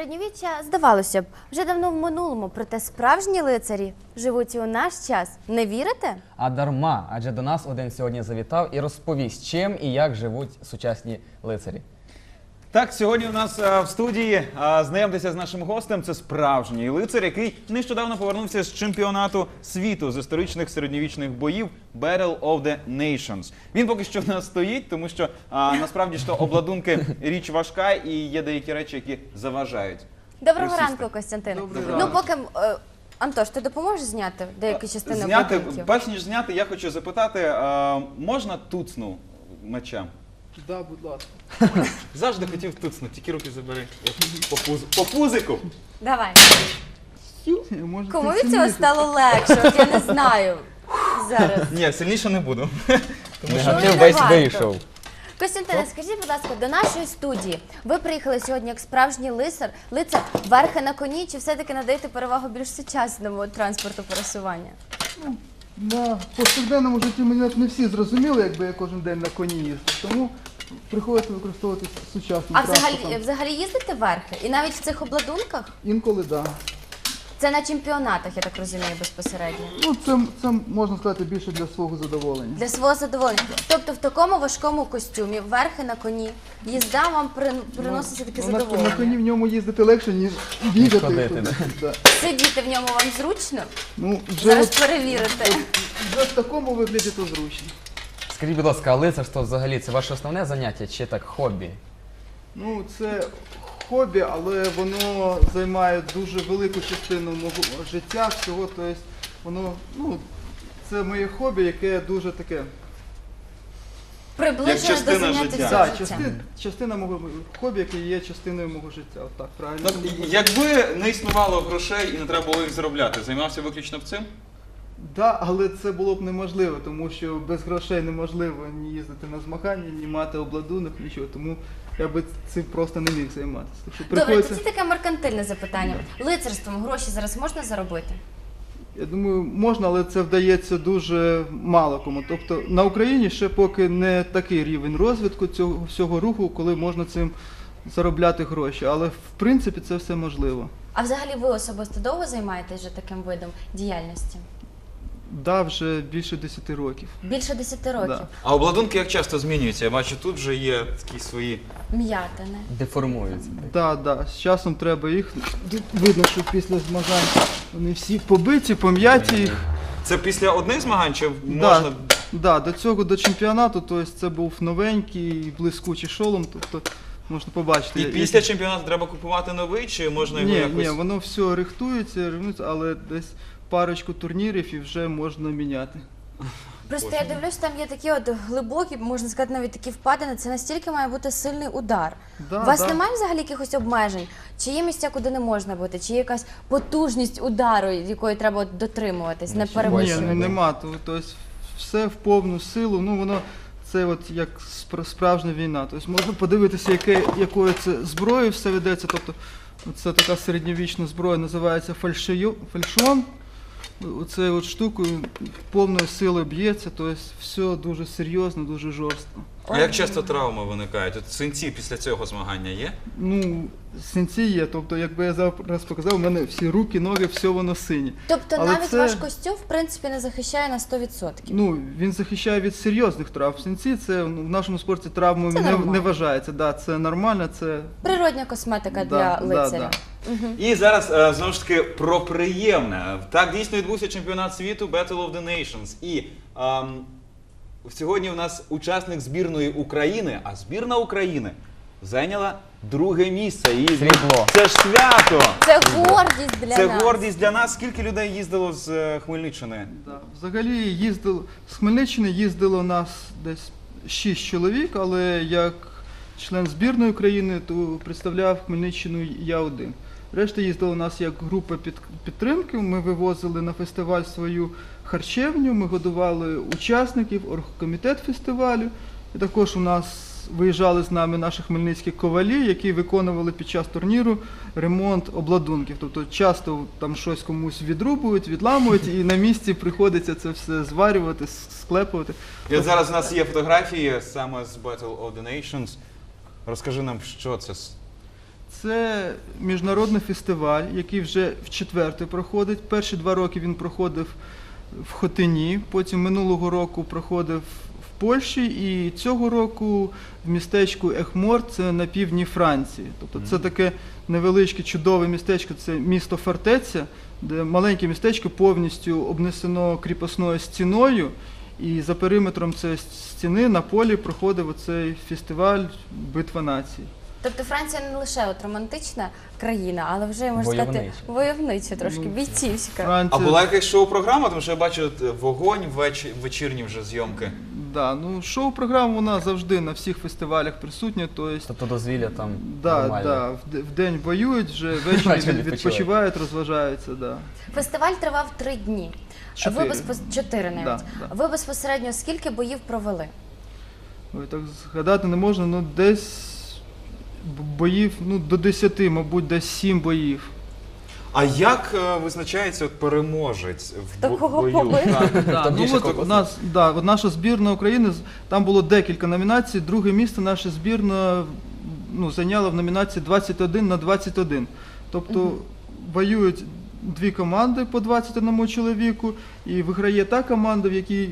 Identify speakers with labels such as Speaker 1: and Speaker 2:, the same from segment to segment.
Speaker 1: Середньовіччя, здавалося б, вже давно в минулому, проте справжні лицарі живуть і у наш час. Не вірите?
Speaker 2: А дарма, адже до нас один сьогодні завітав і розповість, чим і як живуть сучасні лицарі.
Speaker 3: Так, сьогодні у нас в студії знайомтеся з нашим гостем. Це справжній лицар, який нещодавно повернувся з чемпіонату світу з історичних середньовічних боїв Battle of the Nations. Він поки що в нас стоїть, тому що насправді ж то обладунки річ важка і є деякі речі, які заважають.
Speaker 1: Доброго
Speaker 3: Присісти.
Speaker 1: ранку, Костянтине.
Speaker 3: Добрий
Speaker 1: Ну,
Speaker 3: ранок.
Speaker 1: поки Антош, ти допоможеш зняти деякі частини
Speaker 3: Зняти,
Speaker 1: обладунків?
Speaker 3: перш ніж зняти, я хочу запитати, можна туцну мечем?
Speaker 4: Да, будь ласка.
Speaker 3: Завжди хотів туцнути, тільки руки забери. По пузику.
Speaker 1: Давай.
Speaker 4: Може,
Speaker 1: Кому
Speaker 4: ти
Speaker 1: від цього
Speaker 4: сильніше?
Speaker 1: стало легше? От я не знаю зараз.
Speaker 3: Ні, сильніше не буду.
Speaker 2: Негатив
Speaker 1: не
Speaker 2: весь
Speaker 1: варто.
Speaker 2: вийшов.
Speaker 1: Костянтине, скажіть, будь ласка, до нашої студії ви приїхали сьогодні як справжній лицар верхи на коні, чи все-таки надаєте перевагу більш сучасному транспорту пересування?
Speaker 4: На повсякденному житті мене не всі зрозуміли, якби я кожен день на коні їздив. Тому приходиться використовувати сучасний
Speaker 1: А
Speaker 4: транспорт.
Speaker 1: взагалі їздите верхи? І навіть в цих обладунках?
Speaker 4: Інколи, так. Да.
Speaker 1: Це на чемпіонатах, я так розумію, безпосередньо.
Speaker 4: Ну, це можна сказати більше для свого задоволення.
Speaker 1: Для свого задоволення. Тобто в такому важкому костюмі, верхи на коні, їзда вам приносить таке
Speaker 4: На коні
Speaker 1: задоволення.
Speaker 4: в ньому їздити легше, ніж бігати.
Speaker 2: ходити,
Speaker 4: Да.
Speaker 1: Сидіти в ньому вам зручно?
Speaker 4: Ну, вже,
Speaker 1: Зараз
Speaker 4: от,
Speaker 1: перевірите.
Speaker 4: вже в такому вигляді то зручно.
Speaker 2: Скажіть, будь ласка, а лицарство взагалі це ваше основне заняття чи так хобі?
Speaker 4: Ну, це хобі, але воно займає дуже велику частину мого життя, всього, тобто воно, ну, це моє хобі, яке дуже таке.
Speaker 1: Приближено до
Speaker 3: частина
Speaker 1: заняття
Speaker 3: життя.
Speaker 1: всього
Speaker 4: Так,
Speaker 1: життя.
Speaker 4: частина мого хобі, яке є частиною мого життя. Отак, правильно.
Speaker 3: Якби не існувало грошей і не треба було їх заробляти, займався виключно б цим?
Speaker 4: Да, але це було б неможливо, тому що без грошей неможливо ні їздити на змагання, ні мати обладунок, нічого. Тому я би цим просто не міг займатися. Так що
Speaker 1: Добре,
Speaker 4: приходиться,
Speaker 1: тоді таке меркантильне запитання. Лицарством гроші зараз можна заробити?
Speaker 4: я думаю, можна, але це вдається дуже мало кому. Тобто на Україні ще поки не такий рівень розвитку цього всього руху, коли можна цим заробляти гроші. Але в принципі це все можливо.
Speaker 1: А взагалі ви особисто довго займаєтесь вже таким видом діяльності?
Speaker 4: Да, вже більше 10 років.
Speaker 1: Більше 10 років.
Speaker 4: Да.
Speaker 3: А обладунки як часто змінюються? Я бачу, тут вже є такі свої.
Speaker 1: М'ятини.
Speaker 2: Деформуються.
Speaker 4: Да, да. З часом треба їх. Видно, що після змагань вони всі побиті, пом'яті їх.
Speaker 3: Це після одних змагань чи можна.
Speaker 4: Да, до цього, до чемпіонату, тобто це був новенький, блискучий шолом, тобто можна побачити.
Speaker 3: І після чемпіонату треба купувати новий, чи можна його
Speaker 4: Ні,
Speaker 3: якось.
Speaker 4: ні, воно все рихтується, але десь парочку турнірів і вже можна міняти.
Speaker 1: Просто я дивлюсь, там є такі от глибокі, можна сказати, навіть такі впадини. Це настільки має бути сильний удар.
Speaker 4: Да,
Speaker 1: У вас
Speaker 4: да.
Speaker 1: немає взагалі якихось обмежень? Чи є місця, куди не можна бути? Чи є якась потужність удару, якої треба от дотримуватись, не
Speaker 2: Ні,
Speaker 4: Ні,
Speaker 1: перевищувати?
Speaker 4: ну нема. Тобто все в повну силу, ну воно це от як справжня війна. Тобто можна подивитися, якою це зброєю все ведеться. Тобто це така середньовічна зброя, називається фальшон. Оцею от штукою повною силою б'ється, тобто все дуже серйозно, дуже жорстко.
Speaker 3: А як часто травми виникають? От синці після цього змагання є?
Speaker 4: Ну, синці є, тобто, якби я зараз показав, у мене всі руки, ноги, все воно синє.
Speaker 1: Тобто
Speaker 4: Але
Speaker 1: навіть
Speaker 4: це-
Speaker 1: ваш костюм, в принципі, не захищає на 100%.
Speaker 4: Ну, він захищає від серйозних травм. Синці це в нашому спорті травмою
Speaker 1: Це
Speaker 4: не
Speaker 1: нормально.
Speaker 4: вважається. Да, це нормально, це
Speaker 1: Природня косметика
Speaker 4: Да,
Speaker 1: для
Speaker 4: да,
Speaker 1: лицаря.
Speaker 3: І зараз знову ж таки про приємне. Так, дійсно відбувся чемпіонат світу Battle of the Nations. І сьогодні у нас учасник збірної України, а збірна України зайняла друге місце. І
Speaker 2: Срібло.
Speaker 3: це ж свято!
Speaker 1: Це гордість для
Speaker 3: Це
Speaker 1: нас.
Speaker 3: гордість для нас. Скільки людей їздило з Хмельниччини?
Speaker 4: да. Взагалі з Хмельниччини їздило нас десь 6 чоловік, але як член збірної України, то представляв Хмельниччину я один. Решта їздила у нас як група підтримки, ми вивозили на фестиваль свою харчевню, ми годували учасників, оргкомітет фестивалю. І також у нас виїжджали з нами наші хмельницькі ковалі, які виконували під час турніру ремонт обладунків. Тобто часто там щось комусь відрубують, відламують, і на місці приходиться це все зварювати, склепувати.
Speaker 3: І от зараз у нас є фотографії саме з Battle of the Nations. Розкажи нам, що це.
Speaker 4: Це міжнародний фестиваль, який вже в четверте проходить. Перші 2 роки він проходив в Хотині, потім минулого року проходив в Польщі і цього року в містечку Ехмор, це на півдні Франції. Тобто це таке невеличке чудове містечко, це місто Фортеця, де маленьке містечко повністю обнесено кріпосною стіною, і за периметром цієї стіни на полі проходив оцей фестиваль «Битва націй».
Speaker 1: Тобто Франція не лише от романтична країна, але вже, можна сказати, войовнича трошки, бійцівська.
Speaker 3: А була якась шоу-програма? Тому що я бачу вогонь, вечірні вже зйомки.
Speaker 4: Да, ну шоу-програма вона завжди на всіх фестивалях присутня,
Speaker 2: Тобто дозвілля там
Speaker 4: да,
Speaker 2: нормально.
Speaker 4: да, в день воюють, вже ввечері відпочивають, розважаються. Да.
Speaker 1: Фестиваль тривав 3 дні.
Speaker 4: 4.
Speaker 1: 4 навіть.
Speaker 4: Да.
Speaker 1: Ви безпосередньо скільки боїв провели?
Speaker 4: Ой, так згадати не можна, ну десь боїв, ну до 10, мабуть, десь 7 боїв.
Speaker 3: А як визначається переможець в
Speaker 1: Хто кого
Speaker 3: бою?
Speaker 1: побив?
Speaker 4: Да, ну,
Speaker 2: більше
Speaker 4: от,
Speaker 2: конкурсів?
Speaker 4: от наша збірна України, там було декілька номінацій. Друге місце наша збірна зайняла в номінації 21 на 21. Тобто воюють 2 команди по 21 чоловіку, і виграє та команда, в якій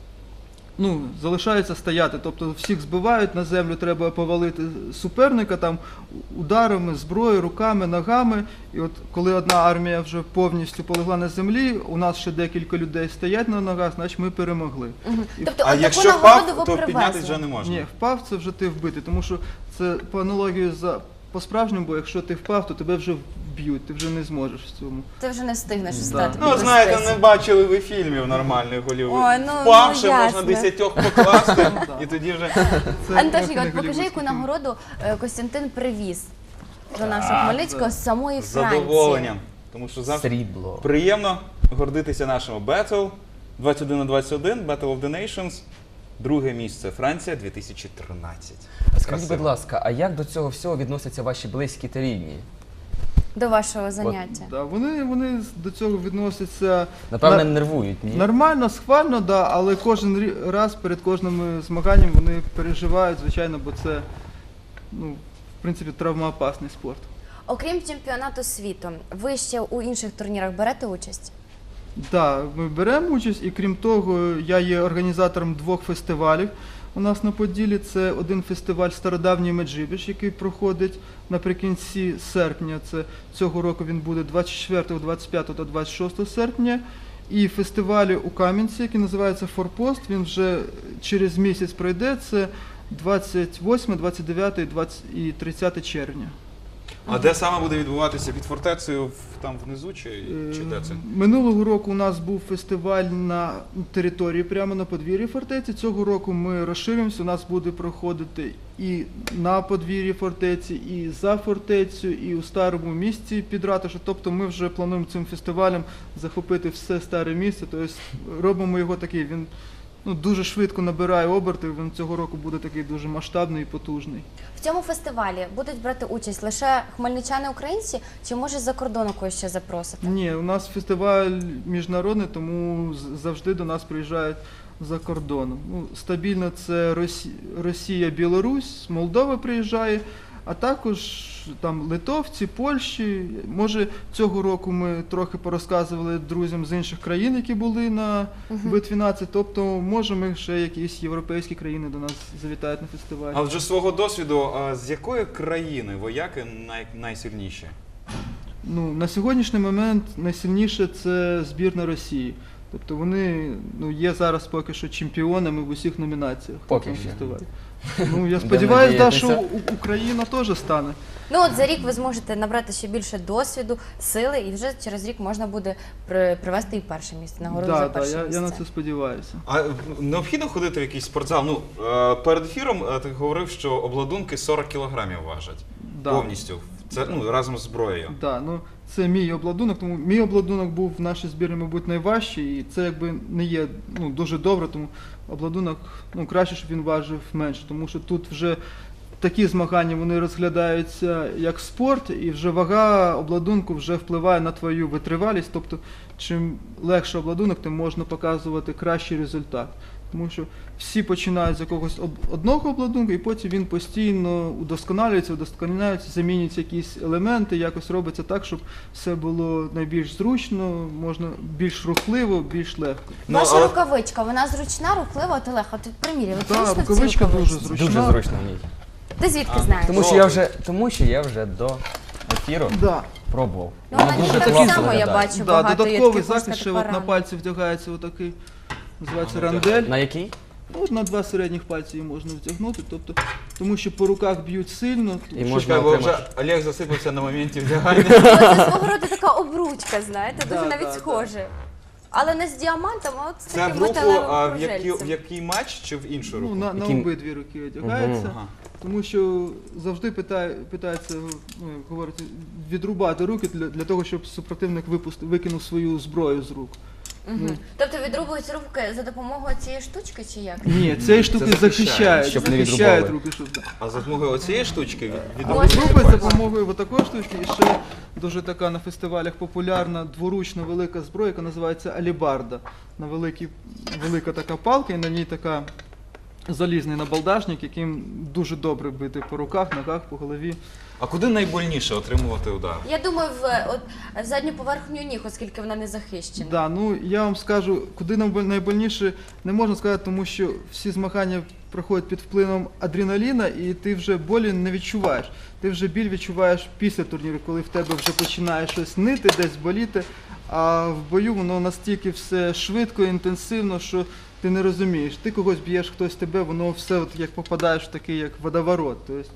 Speaker 4: залишається стояти. Тобто всіх збивають, на землю треба повалити суперника там ударами, зброєю, руками, ногами. І от коли одна армія вже повністю полегла на землі, у нас ще декілька людей стоять на ногах, значить ми перемогли.
Speaker 1: Тобто
Speaker 3: А
Speaker 1: от
Speaker 3: якщо
Speaker 1: таку нагороду
Speaker 3: впав,
Speaker 1: ви
Speaker 3: то піднятися вже
Speaker 1: привезли?
Speaker 3: не можна.
Speaker 4: Ні, впав це вже ти вбитий, тому що це по аналогії по-справжньому, бо якщо ти впав, то тебе вже вб'ють, ти вже не зможеш в цьому.
Speaker 1: Ти вже не встигнеш
Speaker 4: Да.
Speaker 1: встати.
Speaker 3: Ну, знаєте, не бачили ви фільмів нормальних Голлівуд.
Speaker 1: Ой, ну,
Speaker 3: Впавши, можна
Speaker 1: ясно.
Speaker 3: 10 покласти, і тоді вже...
Speaker 4: Це
Speaker 1: Антошенька,
Speaker 4: трохи
Speaker 1: от
Speaker 4: не
Speaker 1: покажи,
Speaker 4: голлівудський
Speaker 1: яку
Speaker 4: фільм.
Speaker 1: нагороду Костянтин привіз до нашого Хмельницького з самої
Speaker 3: З
Speaker 1: Франції.
Speaker 3: задоволенням. Тому що завжди
Speaker 2: Срібло.
Speaker 3: приємно гордитися нашому Battle 21 на 21, Battle of the Nations. Друге місце Франція 2013.
Speaker 2: Скажіть,
Speaker 3: Красиво.
Speaker 2: будь ласка, а як до цього всього відносяться ваші близькі та рідні?
Speaker 1: До вашого заняття.
Speaker 4: Да, вони до цього відносяться
Speaker 2: Напевне, нервують, ні?
Speaker 4: нормально, схвально, да, але кожен раз перед кожним змаганням вони переживають, звичайно, бо це, в принципі, травмоопасний спорт.
Speaker 1: Окрім чемпіонату світу, ви ще у інших турнірах берете участь?
Speaker 4: Так, ми беремо участь, і крім того, я є організатором 2 фестивалів у нас на Поділі. Це один фестиваль «Стародавній Меджибіж», який проходить наприкінці серпня. Це цього року він буде 24, 25 та 26 серпня. І фестивалі у Кам'янці, який називається «Форпост», він вже через місяць пройде. Це 28, 29 і 30 червня.
Speaker 3: А де саме буде відбуватися? Під фортецею там внизу чи де це?
Speaker 4: Минулого року у нас був фестиваль на території, прямо на подвір'ї фортеці. Цього року ми розширимося, у нас буде проходити і на подвір'ї фортеці, і за фортецю, і у старому місті під ратушу. Тобто ми вже плануємо цим фестивалем захопити все старе місце, тобто робимо його такий, він дуже швидко набирає оберти, він цього року буде такий дуже масштабний і потужний.
Speaker 1: В цьому фестивалі будуть брати участь лише хмельничани-українці, чи може з-за кордону когось ще запросити?
Speaker 4: Ні, у нас фестиваль міжнародний, тому завжди до нас приїжджають за кордоном. Стабільно це Росія, Білорусь, Молдова приїжджає, а також там литовці, Польщі. Може, цього року ми трохи порозказували друзям з інших країн, які були на битві націй. Тобто, може, ми ще якісь європейські країни до нас завітають на фестиваль.
Speaker 3: А вже свого досвіду, з якої країни вояки найсильніші?
Speaker 4: На сьогоднішній момент найсильніше це збірна Росії. Тобто вони є зараз поки що чемпіонами в усіх номінаціях.
Speaker 2: Поки
Speaker 4: на
Speaker 2: що.
Speaker 4: фестивалі. Я сподіваюся,
Speaker 2: надіятися.
Speaker 4: що Україна теж стане.
Speaker 1: От за рік ви зможете набрати ще більше досвіду, сили, і вже через рік можна буде привести і перше місце, нагороду за перше місце.
Speaker 4: Я на це сподіваюся.
Speaker 3: А необхідно ходити в якийсь спортзал? Перед ефіром ти говорив, що обладунки 40 кілограмів важать.
Speaker 4: Да.
Speaker 3: Повністю. Це разом з зброєю.
Speaker 4: Да, це мій обладунок, тому мій обладунок був в нашій збірні, мабуть, найважчий, і це якби не є дуже добре, тому обладунок краще, щоб він важив менше, тому що тут вже такі змагання вони розглядаються як спорт, і вже вага обладунку вже впливає на твою витривалість. Тобто, чим легше обладунок, тим можна показувати кращий результат. Тому що всі починають з якогось одного обладунку, і потім він постійно удосконалюється, замінюються якісь елементи, якось робиться так, щоб все було найбільш зручно, можна більш рухливо, більш легко.
Speaker 1: Ваша рукавичка, вона зручна, рухлива, от Олег, от приміряй, ви
Speaker 4: Так,
Speaker 1: точно в цій
Speaker 4: рукавичка дуже
Speaker 1: рукавичці?
Speaker 4: зручна.
Speaker 2: Дуже зручно в ній.
Speaker 1: Ти звідки знаєш?
Speaker 2: Тому що я вже до ефіру
Speaker 4: Да.
Speaker 2: пробував.
Speaker 1: Ну, вона
Speaker 2: Дуже
Speaker 1: так
Speaker 2: класно
Speaker 1: само, я
Speaker 2: виглядає.
Speaker 1: бачу,
Speaker 4: Да,
Speaker 1: багато є
Speaker 4: додатковий
Speaker 1: таких, можна
Speaker 4: захист, ще
Speaker 1: сказати,
Speaker 4: от на
Speaker 1: парам.
Speaker 4: пальці вдягається отакий, називається рандель.
Speaker 2: На який?
Speaker 4: Ну, от на 2 середніх пальці її можна вдягнути, тобто, тому що по руках б'ють сильно.
Speaker 2: І можна
Speaker 3: Чекай, бо
Speaker 2: отримати.
Speaker 3: вже Олег засипався на моменті вдягання.
Speaker 1: Ну, це свого роду така обручка, знаєте, дуже
Speaker 4: Да,
Speaker 1: навіть
Speaker 4: да,
Speaker 1: схоже. Але не з діамантом, а от з
Speaker 3: Це
Speaker 1: таким
Speaker 3: в руку,
Speaker 1: металевим
Speaker 3: в
Speaker 1: кружельцем.
Speaker 3: який матч чи в іншу
Speaker 4: Ну,
Speaker 3: руку?
Speaker 4: на
Speaker 2: Яким-
Speaker 4: обидві руки одягається,
Speaker 3: Ага.
Speaker 4: тому що завжди питається, ну, як говорити, відрубати руки для того, щоб супротивник викинув свою зброю з рук.
Speaker 1: Мгм. Тобто відрубують руки за допомогою цієї штучки чи як?
Speaker 4: Ні, цієї штуки
Speaker 3: захищає,
Speaker 4: захищають,
Speaker 2: щоб не
Speaker 4: захищають
Speaker 2: відрубали.
Speaker 4: руки, щоб...
Speaker 3: А за допомогою оцієї штучки від
Speaker 1: Можна
Speaker 4: Відрубують за
Speaker 1: відрубати.
Speaker 4: допомогою такої штучки, і ще дуже така на фестивалях популярна дворучна велика зброя, яка називається алібарда. На велика така палка, і на ній така залізний набалдашник, яким дуже добре бити по руках, ногах, по голові.
Speaker 3: А куди найбольніше отримувати удар?
Speaker 1: Я думаю, в задню поверхню ніг, оскільки вона не захищена.
Speaker 4: Да, ну я вам скажу, куди найбольніше не можна сказати, тому що всі змагання проходять під впливом адреналіна, і ти вже болі не відчуваєш. Ти вже біль відчуваєш після турніру, коли в тебе вже починає щось нити, десь боліти. А в бою воно настільки все швидко, інтенсивно, що ти не розумієш. Ти когось б'єш, хтось тебе, воно все от як попадаєш в такий як водоворот. Тобто,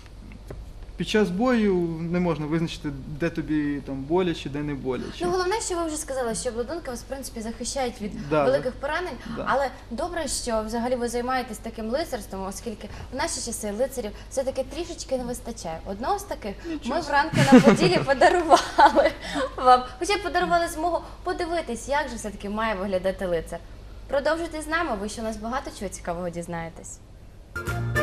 Speaker 4: під час бою не можна визначити, де тобі там боляче, де не боляче.
Speaker 1: Ну, головне, що ви вже сказали, що обладунки вас, в принципі, захищають від
Speaker 4: Да,
Speaker 1: великих поранень,
Speaker 4: да.
Speaker 1: але добре, що взагалі ви займаєтесь таким лицарством, оскільки в наші часи лицарів все-таки трішечки не вистачає. Одного з таких ми вранку на поділі подарували вам, хоча б подарували змогу подивитись, як же все-таки має виглядати лицар. Продовжуйте з нами, ви ще у нас багато чого цікавого дізнаєтесь.